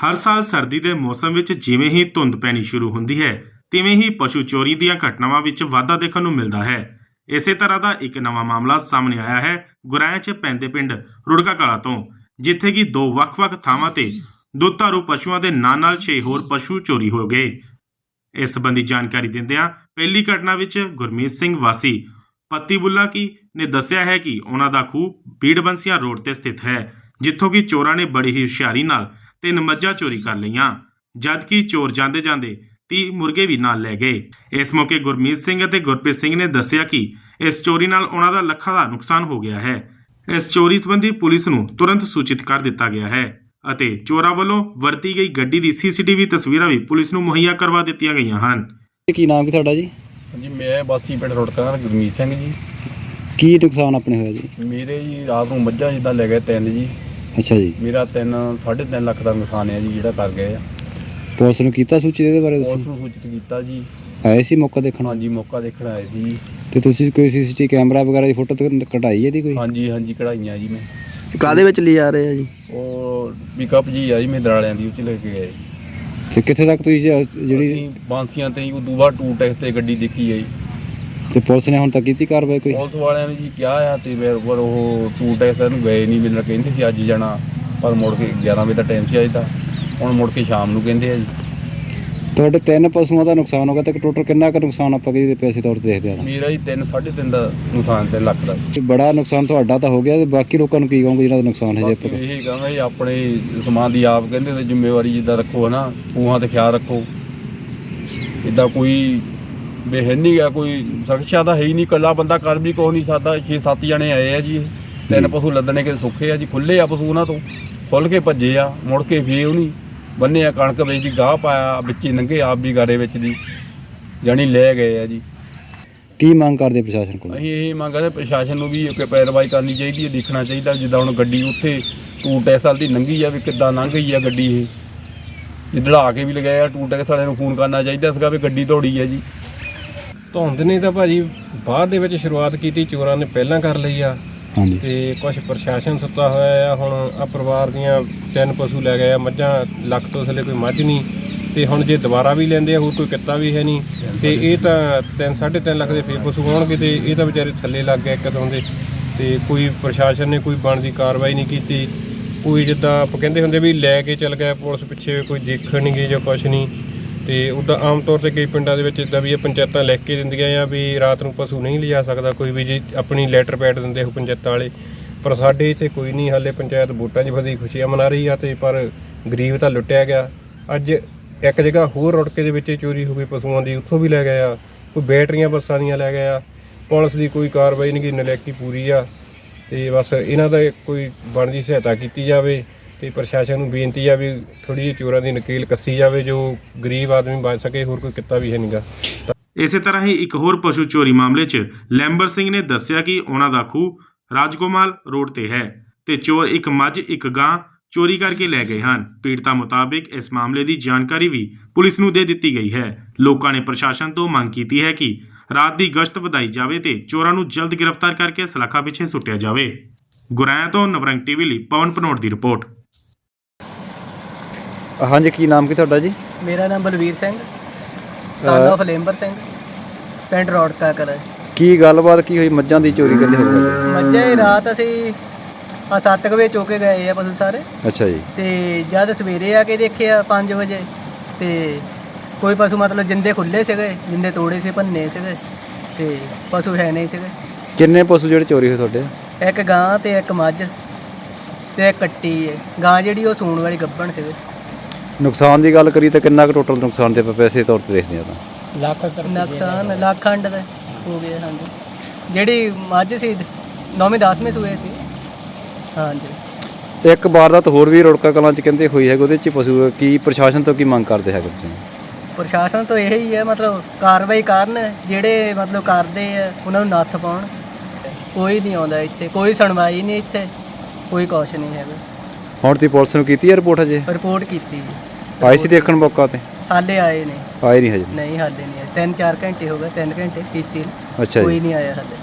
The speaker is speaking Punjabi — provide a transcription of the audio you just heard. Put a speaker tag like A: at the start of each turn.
A: ਹਰ ਸਾਲ ਸਰਦੀ ਦੇ ਮੌਸਮ ਵਿੱਚ ਜਿਵੇਂ ਹੀ ਧੁੰਦ ਪੈਣੀ ਸ਼ੁਰੂ ਹੁੰਦੀ ਹੈ, ਤਿਵੇਂ ਹੀ ਪਸ਼ੂ ਚੋਰੀ ਦੀਆਂ ਘਟਨਾਵਾਂ ਵਿੱਚ ਵਾਧਾ ਦੇਖਣ ਨੂੰ ਮਿਲਦਾ ਹੈ। ਇਸੇ ਤਰ੍ਹਾਂ ਦਾ ਇੱਕ ਨਵਾਂ ਮਾਮਲਾ ਸਾਹਮਣੇ ਆਇਆ ਹੈ ਗੁਰਾਇਆਂ 'ਚ ਪੈਂਦੇ ਪਿੰਡ ਰੁੜਕਾ ਕਲਾਂ ਤੋਂ, ਜਿੱਥੇ ਕਿ ਦੋ ਵੱਖ-ਵੱਖ ਥਾਵਾਂ ਤੇ ਦੁੱਧਾਰੂ ਪਸ਼ੂਆਂ ਦੇ ਨਾਲ-ਨਾਲ 6 ਹੋਰ ਪਸ਼ੂ ਚੋਰੀ ਹੋ ਗਏ। ਇਸ ਸੰਬੰਧੀ ਜਾਣਕਾਰੀ ਦਿੰਦਿਆਂ ਪਹਿਲੀ ਘਟਨਾ ਵਿੱਚ ਗੁਰਮੀਤ ਸਿੰਘ ਵਾਸੀ ਪੱਤੀ ਬੁੱਲਾ ਕੀ ਨੇ ਦੱਸਿਆ ਹੈ ਕਿ ਉਹਨਾਂ ਦਾ ਖੂਹ ਬੀੜਬੰਸੀਆਂ ਰੋਡ ਤੇ ਸਥਿਤ ਹੈ, ਜਿੱਥੋਂ ਕਿ ਚੋਰਾਂ ਨੇ ਬੜੀ ਹੀ ਹੁਸ਼ਿਆਰੀ ਨਾਲ 3 ਮੱਝਾਂ ਚੋਰੀ ਕਰ ਲਈਆਂ, ਜਦਕਿ ਚੋਰ ਜਾਂਦੇ 30 ਮੁਰਗੇ ਵੀ ਨਾਲ ਲੈ ਗਏ। ਇਸ ਮੌਕੇ ਗੁਰਮੀਤ ਸਿੰਘ ਅਤੇ ਗੁਰਪ੍ਰੀਤ ਸਿੰਘ ਨੇ ਦੱਸਿਆ ਕਿ ਇਸ ਚੋਰੀ ਨਾਲ ਉਹਨਾਂ ਦਾ ਲੱਖਾਂ ਦਾ ਨੁਕਸਾਨ ਹੋ ਗਿਆ ਹੈ। ਇਸ ਚੋਰੀ ਸੰਬੰਧੀ ਪੁਲਿਸ ਨੂੰ ਤੁਰੰਤ ਸੂਚਿਤ ਕਰ ਦਿੱਤਾ ਗਿਆ ਹੈ ਅਤੇ ਚੋਰਾਂ ਵੱਲੋਂ ਵਰਤੀ ਗਈ ਗੱਡੀ ਦੀ CCTV ਤਸਵੀਰਾਂ ਵੀ ਪੁਲਿਸ ਨੂੰ ਮੁਹੱਈਆ ਕਰਵਾ ਦਿੱਤੀਆਂ ਗਈਆਂ ਹਨ।
B: ਕੀ ਨਾਮ ਕੀ ਤੁਹਾਡਾ ਜੀ?
C: ਜੀ ਮੈਂ ਵਾਸੀ ਪਿੰਡ ਰੁੜਕਾ ਗੁਰਮੀਤ ਸਿੰਘ ਜੀ।
B: ਕੀ ਨੁਕਸਾਨ ਆਪਣੇ ਹੋਇਆ ਜੀ?
C: ਮੇਰੇ ਜੀ ਰਾਤ ਨੂੰ ਮੱਝਾਂ ਜਿੱਦਾਂ ਲੈ ਗਏ 3 ਜੀ।
B: ਅੱਛਾ ਜੀ।
C: ਮੇਰਾ 3.5 ਲੱਖ ਦਾ ਨੁਕਸਾਨ ਹੈ ਜੀ ਜਿਹੜਾ ਕਰ ਗਏ ਆ।
B: ਪੁਲਿਸ ਨੂੰ ਕੀਤਾ ਸੂਚਿਤ ਇਹਦੇ ਬਾਰੇ?
C: ਪੁਲਿਸ ਨੂੰ ਸੂਚਿਤ ਕੀਤਾ ਜੀ।
B: ਆਏ ਸੀ ਮੌਕਾ ਦੇਖਣ?
C: ਹਾਂਜੀ ਮੌਕਾ ਦੇਖਣ ਆਏ ਸੀ ਜੀ।
B: ਤੇ ਤੁਸੀਂ ਕੋਈ CCTV ਕੈਮਰਾ ਵਗੈਰਾ ਦੀ ਫੋਟੋ ਕਢਾਈ ਇਹਦੀ ਕੋਈ?
C: ਹਾਂਜੀ ਕਢਾਈਆਂ ਜੀ ਮੈਂ।
B: ਕਾਹਦੇ ਵਿੱਚ ਲੈ ਜਾ ਰਹੇ ਆ ਜੀ?
C: ਉਹ ਪਿਕਅਪ ਜੀ ਆ ਜੀ ਮਹਿੰਦਰਾਲਿਆਂ ਦੀ, ਉਹ 'ਚ ਲੈ ਕੇ ਗਏ।
B: ਤੇ ਕਿੱਥੇ ਤੱਕ ਤੁਸੀਂ ਜਿਹੜੀ
C: ਅਸੀਂ ਬਾਂਸੀਆਂ ਤੇ ਹੀ ਉਦੋਂ ਬਾਅਦ ਟੂ ਟੈਕਸ ਤੇ ਗੱਡੀ ਦੇਖੀ ਹੈ ਜੀ।
B: ਤੇ ਪੁਲਿਸ ਨੇ ਹੁਣ ਤੱਕ ਕੀਤੀ ਕਾਰਵਾਈ ਕੋਈ?
C: ਪੁਲਿਸ ਵਾਲਿਆਂ ਨੇ ਜੀ ਕਿਹਾ ਆ ਤੇ ਪਰ ਉਹ ਟੂ ਟੈਕਸ ਨੂੰ ਗਏ ਨਹੀਂ। ਮੈਨੂੰ ਕਹਿੰਦੇ ਸੀ ਅੱਜ ਜਾਣਾ, ਪਰ ਮੁੜ ਕੇ 11 ਵਜੇ ਦਾ ਟਾਈਮ ਸੀ ਅੱਜ ਦਾ, ਹੁਣ ਮੁੜ ਕੇ ਸ਼ਾਮ ਨੂੰ ਕਹਿੰਦੇ ਆ ਜੀ।
B: ਤੁਹਾਡੇ 3 ਪਸ਼ੂਆਂ ਦਾ ਨੁਕਸਾਨ ਹੋ ਗਿਆ ਤੇ ਟੋਟਲ ਕਿੰਨਾ ਕੁ ਨੁਕਸਾਨ ਆਪਾਂ ਕਿਹਦੇ ਪੈਸੇ ਤੌਰ ਤੇ ਦੇਖਦੇ ਆ?
C: ਮੇਰਾ ਜੀ 3.5 ਦਾ ਨੁਕਸਾਨ 3 ਲੱਖ ਦਾ।
B: ਬੜਾ ਨੁਕਸਾਨ ਤੁਹਾਡਾ ਤਾਂ ਹੋ ਗਿਆ, ਤੇ ਬਾਕੀ ਲੋਕਾਂ ਨੂੰ ਕੀ ਕਹੋਗੇ ਜਿਹਨਾਂ ਦਾ ਨੁਕਸਾਨ ਹੈ?
C: ਬਾਕੀ ਇਹ ਕਹਾਂਗਾ ਜੀ ਆਪਣੇ ਸਮਾਨ ਦੀ ਆਪ ਕਹਿੰਦੇ ਤੇ ਜ਼ਿੰਮੇਵਾਰੀ ਜਿੱਦਾਂ ਰੱਖੋ ਨਾ, ਖੂਹਾਂ ਤੇ ਖਿਆਲ ਰੱਖੋ। ਇੱਦਾਂ ਕੋਈ ਬੇਹਨ ਨਹੀਂ ਗਾ, ਕੋਈ ਸੁਰੱਖਿਆ ਤਾਂ ਹੈ ਹੀ ਨਹੀਂ। ਇਕੱਲਾ ਬੰਦਾ ਕਰ ਵੀ ਕੁਛ ਨਹੀਂ ਸਕਦਾ। 6-7 ਜਣੇ ਆਏ ਆ ਜੀ। 3 ਪਸ਼ੂ ਲੱਦਣੇ ਕਿ ਸੌਖੇ ਆ ਜੀ। ਖੁੱਲੇ ਆ ਪਸ਼ੂ, ਉਹਨਾਂ ਤੋਂ ਖੁੱਲ ਕੇ ਭੱਜੇ ਆ, ਮੁੜ ਕੇ ਫੇਰ ਉਹ ਨਹੀਂ ਬੰਨੇ ਆ। ਕਣਕ ਵਿੱਚ ਦੀ ਗਾਹ ਪਾਇਆ ਵਿੱਚ ਹੀ ਲੰਘੇ, ਆਪ ਵੀ ਗਾਰੇ ਵਿੱਚ ਦੀ ਜਾਣੀ ਲੈ ਗਏ ਆ ਜੀ।
B: ਕੀ ਮੰਗ ਕਰਦੇ ਪ੍ਰਸ਼ਾਸਨ ਕੋਲ?
C: ਅਸੀਂ ਇਹ ਮੰਗ ਕਰਦੇ ਪ੍ਰਸ਼ਾਸਨ ਨੂੰ ਵੀ ਕਿ ਪੈਰਵਾਈ ਕਰਨੀ ਚਾਹੀਦੀ ਹੈ, ਦੇਖਣਾ ਚਾਹੀਦਾ। ਜਿੱਦਾਂ ਹੁਣ ਗੱਡੀ ਉੱਥੇ ਟੂ ਟੈਕਸ ਵਾਲੀ ਦੀ ਲੰਘੀ ਆ, ਵੀ ਕਿੱਦਾਂ ਲੰਘ ਗਈ ਆ ਗੱਡੀ। ਇਹ ਜਿੱਦੜਾ ਕੇ ਵੀ ਲਗਾਏ ਆ, ਟੂ ਟੈਕਸ ਵਾਲਿਆਂ ਨੂੰ ਫੋਨ ਕਰਨਾ ਚਾਹੀਦਾ ਸੀਗਾ ਵੀ ਗੱਡੀ ਦੌੜੀ ਆ ਜੀ।
D: ਧੁੰਦ ਨੇ ਤਾਂ ਭਾਜੀ ਬਾਅਦ ਦੇ ਵਿੱਚ ਸ਼ੁਰੂਆਤ ਕੀਤੀ, ਚੋਰਾਂ ਨੇ ਪਹਿਲਾਂ ਕਰ ਲਈ ਆ।
B: ਹਾਂਜੀ।
D: ਤੇ ਕੁਝ ਪ੍ਰਸ਼ਾਸਨ ਸੁੱਤਾ ਹੋਇਆ ਆ। ਹੁਣ ਆ ਪਰਿਵਾਰ ਦੀਆਂ 3 ਪਸ਼ੂ ਲੈ ਗਏ ਆ, ਮੱਝਾਂ ਲੱਖ ਤੋਂ ਥੱਲੇ ਕੋਈ ਮੱਝ ਨਹੀਂ। ਤੇ ਹੁਣ ਜੇ ਦੁਬਾਰਾ ਵੀ ਲੈਂਦੇ ਆ, ਹੋਰ ਕੋਈ ਕਿੱਤਾ ਵੀ ਹੈ ਨਹੀਂ। ਤੇ ਇਹ ਤਾਂ 3.5 ਲੱਖ ਦੇ ਫੇਰ ਪਸ਼ੂ ਹੋਣਗੇ, ਤੇ ਇਹ ਤਾਂ ਵਿਚਾਰੇ ਥੱਲੇ ਲੱਗ ਗਏ ਕਿਸਮ ਦੇ। ਤੇ ਕੋਈ ਪ੍ਰਸ਼ਾਸਨ ਨੇ ਕੋਈ ਬਣਦੀ ਕਾਰਵਾਈ ਨਹੀਂ ਕੀਤੀ। ਕੋਈ ਜਿੱਦਾਂ ਆਪਾਂ ਕਹਿੰਦੇ ਹੁੰਦੇ ਵੀ ਲੈ ਕੇ ਚੱਲ ਗਿਆ ਪੁਲਿਸ ਪਿੱਛੇ, ਕੋਈ ਦੇਖਣ ਨਹੀਂ ਗਈ ਜਾਂ ਕੁਛ ਨਹੀਂ। ਤੇ ਉੱਦਾਂ ਆਮ ਤੌਰ 'ਤੇ ਕਈ ਪਿੰਡਾਂ ਦੇ ਵਿੱਚ ਇੱਦਾਂ ਵੀ ਇਹ ਪੰਚਾਇਤਾਂ ਲਿਖ ਕੇ ਦਿੰਦੀਆਂ ਆ ਵੀ ਰਾਤ ਨੂੰ ਪਸ਼ੂ ਨਹੀਂ ਲਿਜਾ ਸਕਦਾ ਕੋਈ ਵੀ, ਜੀ ਆਪਣੀ ਲੈਟਰ ਪੈਡ ਦਿੰਦੇ ਉਹ ਪੰਚਾਇਤਾਂ ਵਾਲੇ। ਪਰ ਸਾਡੇ ਇੱਥੇ ਕੋਈ ਨਹੀਂ, ਹਾਲੇ ਪੰਚਾਇਤ ਵੋਟਾਂ 'ਚ ਫਸੀ ਖੁਸ਼ੀਆਂ ਮਨਾ ਰਹੀ ਆ। ਤੇ ਪਰ ਗਰੀਬ ਤਾਂ ਲੁੱਟਿਆ ਗਿਆ। ਅੱਜ ਇੱਕ ਜਗ੍ਹਾ ਹੋਰ ਰੁੜਕੇ ਦੇ ਵਿੱਚ ਚੋਰੀ ਹੋ ਗਈ ਪਸ਼ੂਆਂ ਦੀ, ਉੱਥੋਂ ਵੀ ਲੈ ਗਏ ਆ। ਕੋਈ ਬੈਟਰੀਆਂ ਬੱਸਾਂ ਦੀਆਂ ਲੈ ਗਏ ਆ। ਪੁਲਿਸ ਦੀ ਕੋਈ ਕਾਰਵਾਈ ਨਹੀਂ, ਨਲਾਇਕੀ ਪੂਰੀ ਆ। ਤੇ ਬਸ ਇਹਨਾਂ ਦਾ ਕੋਈ ਬਣਦੀ ਸਹਾਇਤਾ ਕੀਤੀ ਜਾਵੇ। ਤੇ ਪ੍ਰਸ਼ਾਸਨ ਨੂੰ ਬੇਨਤੀ ਆ ਵੀ ਥੋੜ੍ਹੀ ਜਿਹੀ ਚੋਰਾਂ ਦੀ ਨਕੀਲ ਕੱਸੀ ਜਾਵੇ, ਜੋ ਗਰੀਬ ਆਦਮੀ ਬਚ ਸਕੇ। ਹੋਰ ਕੋਈ ਕਿੱਤਾ ਵੀ ਹੈ ਨੀਗਾ।
A: ਇਸੇ ਤਰ੍ਹਾਂ ਹੀ ਇੱਕ ਹੋਰ ਪਸ਼ੂ ਚੋਰੀ ਮਾਮਲੇ 'ਚ ਲੈਂਬਰ ਸਿੰਘ ਨੇ ਦੱਸਿਆ ਕਿ ਉਹਨਾਂ ਦਾ ਖੂਹ ਰਾਜਗੋਮਾਲ ਰੋਡ ਤੇ ਹੈ ਤੇ ਚੋਰ ਇੱਕ ਮੱਝ ਇੱਕ ਗਾਂ ਚੋਰੀ ਕਰਕੇ ਲੈ ਗਏ ਹਨ। ਪੀੜਤਾਂ ਮੁਤਾਬਿਕ ਇਸ ਮਾਮਲੇ ਦੀ ਜਾਣਕਾਰੀ ਵੀ ਪੁਲਿਸ ਨੂੰ ਦੇ ਦਿੱਤੀ ਗਈ ਹੈ। ਲੋਕਾਂ ਨੇ ਪ੍ਰਸ਼ਾਸਨ ਤੋਂ ਮੰਗ ਕੀਤੀ ਹੈ ਕਿ ਰਾਤ ਦੀ ਗਸ਼ਤ ਵਧਾਈ ਜਾਵੇ ਤੇ ਚੋਰਾਂ ਨੂੰ ਜਲਦ ਗ੍ਰਿਫਤਾਰ ਕਰਕੇ ਸਲਾਖਾਂ ਪਿੱਛੇ ਸੁੱਟਿਆ ਜਾਵੇ। ਗੁਰਾਇਆਂ ਤੋਂ ਨਵਰੰਗ TV ਲਈ ਪਵਨ ਭਨੋਟ ਦੀ ਰਿਪੋਰਟ।
B: ਹਾਂਜੀ, ਕੀ ਨਾਮ ਕੀ ਤੁਹਾਡਾ ਜੀ?
E: ਮੇਰਾ ਨਾਮ ਬਲਵੀਰ ਸਿੰਘ, ਸਨ ਆਫ ਲੈਂਬਰ ਸਿੰਘ, ਪਿੰਡ ਰੌੜਕਾ ਕਲਾਂ।
B: ਕੀ ਗੱਲਬਾਤ ਕੀ ਹੋਈ? ਮੱਝਾਂ ਦੀ ਚੋਰੀ ਕਹਿੰਦੇ ਹੋ ਗਈ?
E: ਮੱਝਾਂ ਹੀ ਰਾਤ ਅਸੀਂ 7 ਵਜੇ ਚੋਕੇ ਗਏ ਆ ਪਸ਼ੂ ਸਾਰੇ।
B: ਅੱਛਾ ਜੀ।
E: ਤੇ ਜਦ ਸਵੇਰੇ ਆ ਕੇ ਦੇਖਿਆ 5 ਵਜੇ, ਤੇ ਕੋਈ ਪਸ਼ੂ ਮਤਲਬ ਜਿੰਦੇ ਖੁੱਲੇ ਸੀਗੇ, ਜਿੰਦੇ ਤੋੜੇ ਸੀ, ਭੰਨੇ ਸੀਗੇ, ਤੇ ਪਸ਼ੂ ਹੈ ਨਹੀਂ ਸੀਗੇ।
B: ਕਿੰਨੇ ਪਸ਼ੂ ਜਿਹੜੇ ਚੋਰੀ ਹੋਏ ਤੁਹਾਡੇ?
E: ਇੱਕ ਗਾਂ ਤੇ ਇੱਕ ਮੱਝ ਤੇ ਇੱਕ ਕੱਟੀ ਹੈ। ਗਾਂ ਜਿਹੜੀ ਉਹ ਸੂਣ ਵਾਲੀ ਗੱਭਣ ਸੀਗੇ।
B: ਨੁਕਸਾਨ ਦੀ ਗੱਲ ਕਰੀ ਤਾਂ ਕਿੰਨਾ ਕੁ ਟੋਟਲ ਨੁਕਸਾਨ ਤੇ ਪੈਸੇ ਤੌਰ ਤੇ ਦੇਖਦੇ ਆ ਤਾਂ?
E: ਨੁਕਸਾਨ ਲੱਖ ਖੰਡ ਦਾ ਹੋ ਗਿਆ। ਹਾਂਜੀ, ਜਿਹੜੀ ਮੱਝ ਸੀ 9ਵੇਂ 10ਵੇਂ ਸੂਏ ਸੀ। ਹਾਂਜੀ।
B: ਇੱਕ ਵਾਰਦਾਤ ਹੋਰ ਵੀ ਰੁੜਕਾ ਕਲਾਂ 'ਚ ਕਹਿੰਦੇ ਹੋਈ ਹੈਗੀ, ਉਹਦੇ 'ਚ ਪਸ਼ੂ ਕੀ ਪ੍ਰਸ਼ਾਸਨ ਤੋਂ ਕੀ ਮੰਗ ਕਰਦੇ ਹੈਗੇ ਤੁਸੀਂ?
E: ਪ੍ਰਸ਼ਾਸਨ ਤੋਂ ਇਹ ਹੀ ਹੈ, ਮਤਲਬ ਕਾਰਵਾਈ ਕਰਨ, ਜਿਹੜੇ ਮਤਲਬ ਕਰਦੇ ਆ ਉਹਨਾਂ ਨੂੰ ਨੱਥ ਪਾਉਣ। ਕੋਈ ਨਹੀਂ ਆਉਂਦਾ ਇੱਥੇ, ਕੋਈ ਸੁਣਵਾਈ ਨਹੀਂ ਇੱਥੇ, ਕੋਈ ਕੁਛ ਨਹੀਂ ਹੈਗਾ।
B: ਹੁਣ ਤੁਸੀਂ ਪੁਲਿਸ ਨੂੰ ਕੀਤੀ ਹੈ ਰਿਪੋਰਟ? ਹਜੇ
E: ਰਿਪੋਰਟ ਕੀਤੀ ਜੀ।
B: ਆਏ ਸੀ ਦੇਖਣ ਮੌਕਾ ਤੇ?
E: ਹਾਲੇ ਆਏ ਨੇ?
B: ਆਏ ਨਹੀਂ ਹਜੇ?
E: ਨਹੀਂ ਹਾਲੇ ਨਹੀਂ ਆਏ। 3-4 ਘੰਟੇ ਹੋ ਗਏ, 3 ਘੰਟੇ ਕੀਤੀ।
B: ਅੱਛਾ ਜੀ।
E: ਕੋਈ ਨਹੀਂ ਆਇਆ ਹਾਲੇ।